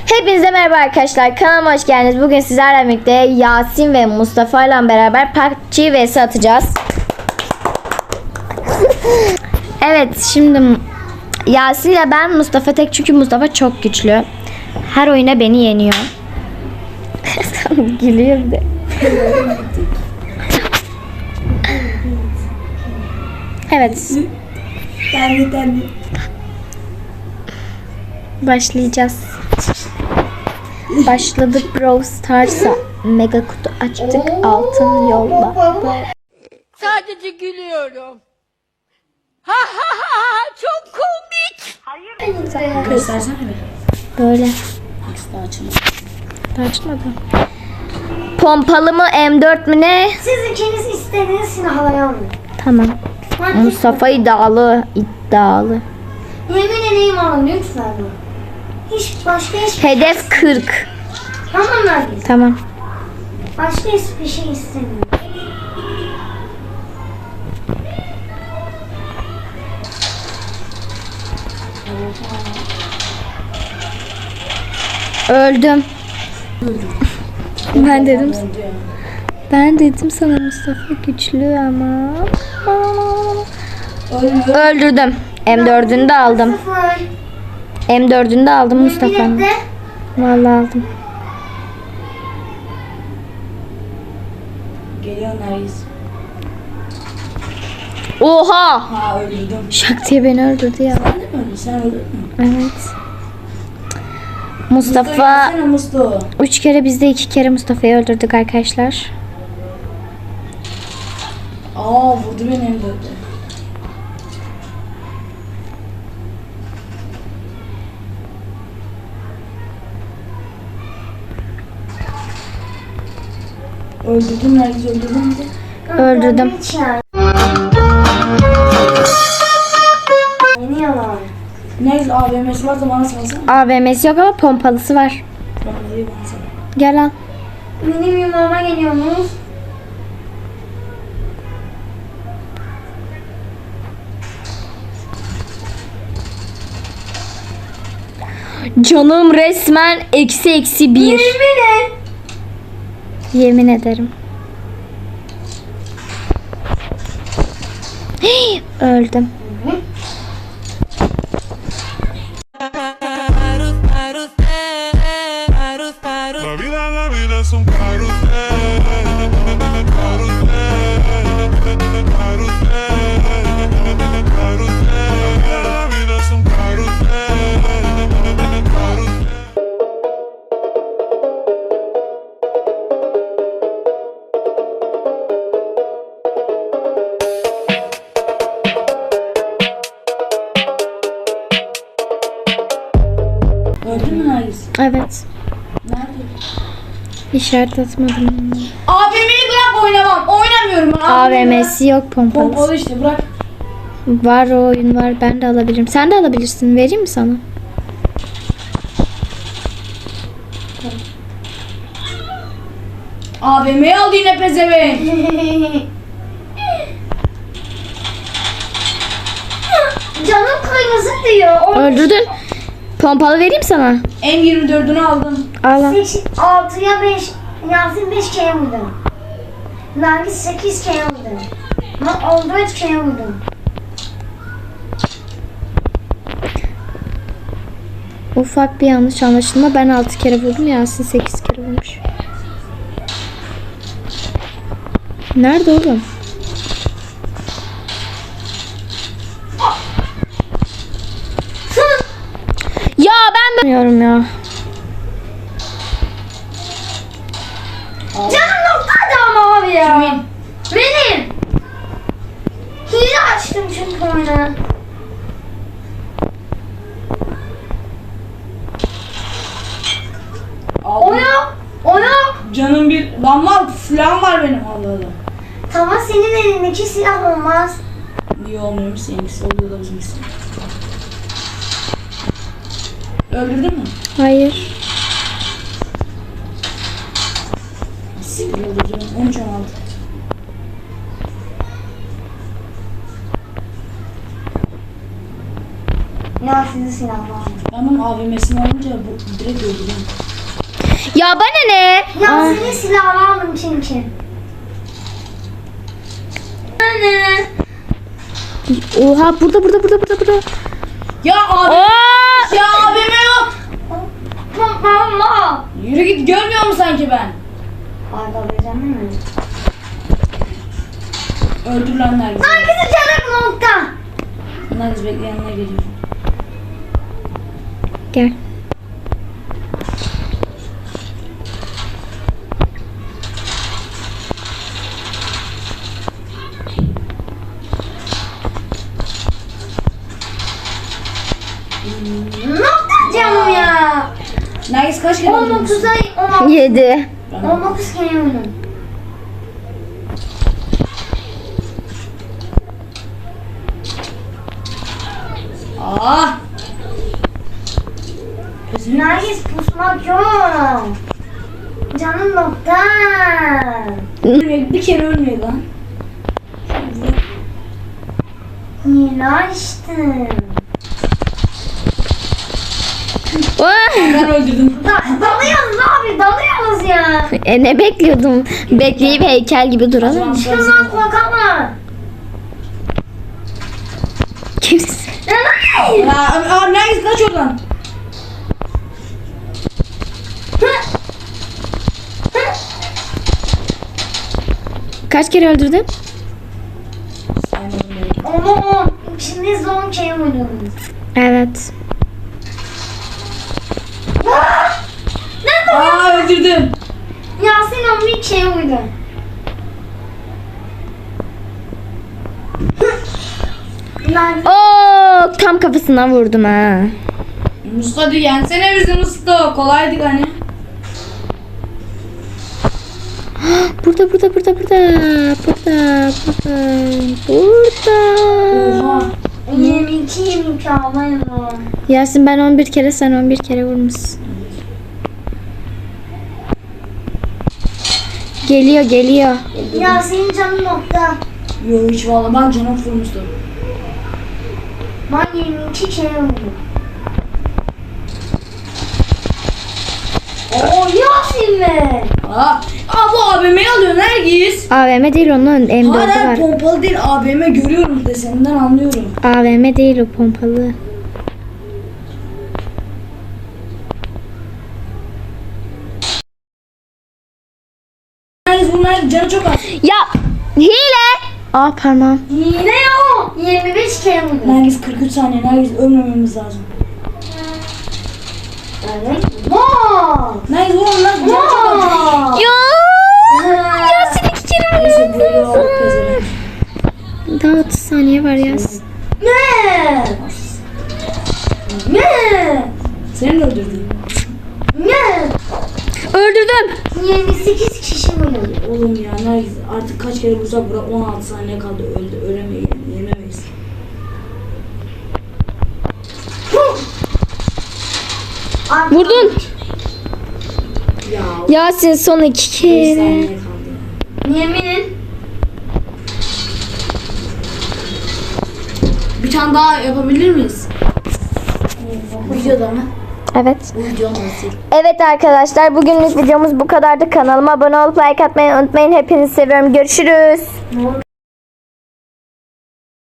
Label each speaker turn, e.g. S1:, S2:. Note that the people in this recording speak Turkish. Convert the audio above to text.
S1: Hepinize merhaba arkadaşlar. Kanalıma hoş geldiniz. Bugün sizlerle birlikte Yasin ve Mustafa ile beraber PUBG vs atacağız. Evet, şimdi Yasin ile ben, Mustafa tek, çünkü Mustafa çok güçlü. Her oyuna beni yeniyor. Gülüyor bir de. Evet.
S2: Ben.
S1: Başlayacağız. Başladık Brawl Stars'a. Mega kutu açtık. Altın yolla.
S3: Sadece gülüyorum. Ha ha ha çok komik.
S2: Göstersene bir.
S1: Böyle.
S2: Daha açılmadı.
S1: Daha açmadı. Pompalı mı M4 mü ne?
S4: Siz ikiniz istediğiniz silahları alın.
S1: Tamam. Mustafa iddialı.
S4: Yemin edeyim alın lütfen. Hiç başka hiçbir
S1: Hedef 40.
S4: Tamam Nergis.
S1: Tamam.
S4: Başka hiçbir şey istemiyorum.
S1: Öldüm. Ben dedim sana Mustafa güçlü ama. Öldürdüm. M4'ünü de aldım.
S4: Sıfır.
S1: M4'ünü de aldım Mustafa'nın.
S4: Millette
S1: Vallahi aldım.
S2: Geliyor Nergis.
S1: Oha!
S2: Ha öldürdüm.
S1: Şak diye beni öldürdü ya.
S2: Sen de mi öldün? Sen öldürdün mü?
S1: Evet. Mustafa
S2: Mustafa.
S1: 3 kere, biz de 2 kere Mustafa'yı öldürdük arkadaşlar.
S2: Aa vurdu beni hem de. Öldürdüm Nergis, öldürdüm de.
S1: Öldürdüm.
S4: hiç yani. Yeni yalan.
S2: Nergis AVM'si varsa bana salsana.
S1: AVM'si yok ama pompalısı var.
S2: Bana değil bana sal.
S1: Gel al.
S4: Benim yumağıma geliyorsunuz.
S1: Canım resmen eksi 1.
S4: Yemin et.
S1: Yemin ederim. Öldüm.
S5: La vida es un carrusel, carrusel, carrusel, carrusel. La vida es un carrusel, carrusel.
S2: Öldün mü Nergis?
S1: Evet.
S2: Nerede?
S1: İşaret atmadım.
S2: AVM'yi bırak, oynamam. Oynamıyorum ben.
S1: AVM'si yok, pompalısı.
S2: Pompalı işte bırak.
S1: Var, o oyun var. Ben de alabilirim. Sen de alabilirsin. Vereyim mi sana?
S2: AVM'yi aldı yine pezevenk.
S4: Canım kırmızı diyor.
S1: Öldürdün. Pompalı vereyim sana.
S2: M24'ünü aldım.
S1: Al al.
S4: 6'ya 5. Yasin 5 kere vurdu. Nergis 8 kere vurdu. Ben 14 kere vurdum.
S1: Ufak bir yanlış anlaşılma. Ben 6 kere vurdum. Yasin 8 kere vurmuş. Nerede oğlum? Ya ben bilmiyorum ya.
S4: Canım noktaydı ama abi ya.
S2: Kimin?
S4: Benim. Hile açtım çünkü oyunu.
S2: Aldım.
S4: O yok. O yok.
S2: Canım bir... Lan var, silahım var benim. Allah Allah.
S4: Tamam senin elindeki silah olmaz.
S2: Niye olmuyormuş seninkisi? Oluyor da bizimkisi. Öldürdün mü?
S1: Hayır.
S2: Siktir öldürdüm. 13 aldı.
S4: Ya sizin silah var.
S2: Onun AVM'sini alınca bu direkt öldürüyor.
S1: Ya bana ne?
S4: Yasin'in silahını aldım çünkü. Anne.
S1: Oha burada.
S2: Ya abi.
S1: Aa!
S2: Ya AVM yok.
S4: Mama.
S2: Yürü git, görmüyor musun sanki ben?
S4: Arda vereceğim mi?
S2: Öldürülenler gibi.
S4: Hangisi canım nokta?
S2: Bunlar biz bekle, yanına geliyor.
S1: Gel.
S4: Nokta canım ya.
S2: Nergis kaç kere öldürmüşsün?
S4: 19'a 16.
S1: 7.
S4: 19 kere oynadım.
S2: Ah!
S4: Nergis pusmak yok. Canım nokta.
S2: Ölmüyor, bir kere ölmüyor lan.
S4: Yine açtım.
S2: Ben öldürdüm.
S4: Dalıyoruz abi, dalıyoruz ya.
S1: Ne bekliyordum? Bekleyip heykel gibi duralım mı?
S4: Şundan korkama.
S1: Kimsin?
S2: Aa, Nergis kaç oradan?
S1: Kaç kere öldürdün?
S2: Saymadım belki.
S4: Ama şimdi son şey oynuyoruz.
S1: Evet.
S2: Aa, öldürdüm.
S4: Yasin onun bir şey oydu. Lan
S1: Oo, tam kafasından vurdum ha.
S2: Mustafa hadi yensene bizi Mustafa. Kolaydı hani.
S1: Burada.
S2: Oha.
S4: 22 almayın o.
S1: Yasin ben 11 kere, sen 11 kere vurmuşsun. Geliyor.
S4: Yasin'in canı nokta.
S2: Yo hiç valla, ben canım vurmuştum.
S4: Ben 22 kere vurdum. Oo Yasin mi?
S2: Aa bu AVM'yi alıyor Nergis.
S1: AVM değil, onun M4'ü
S2: Hala
S1: var.
S2: pompalı değil, AVM görüyorum deseninden anlıyorum.
S1: AVM değil, o pompalı.
S2: Nergis bunlar canı çok az.
S1: Ya hile. Aa parmağım.
S4: Yine yok. 25 kere vurdum.
S2: Nergis 43 saniye, Nergis ölmememiz lazım.
S4: Evet. Wow.
S2: Nergis vurun lan, canı çok az.
S1: Ya. Yasin 2 kere
S2: Neyse böyle oldu pezevenk.
S1: Daha 30 saniye var Yasin.
S4: Ne? Ne?
S2: Seni de öldürdüm.
S4: Ne?
S1: Öldürdüm.
S4: 28 kişi vurdu.
S2: Oğlum ya Nergis artık kaç kere vursak bura 16 saniye kaldı, ölemeyiz, yenemeyiz.
S1: Vurdun.
S2: Ya
S1: Yasin son 2
S2: 5
S1: kere.
S2: saniye kaldı ya.
S4: Yemin.
S2: Bir tane daha yapabilir miyiz? Bu videoda mı?
S1: Evet.
S2: Bu video nasıl?
S1: Evet arkadaşlar, bugünlük videomuz bu kadardı. Kanalıma abone olup like atmayı unutmayın. Hepinizi seviyorum. Görüşürüz.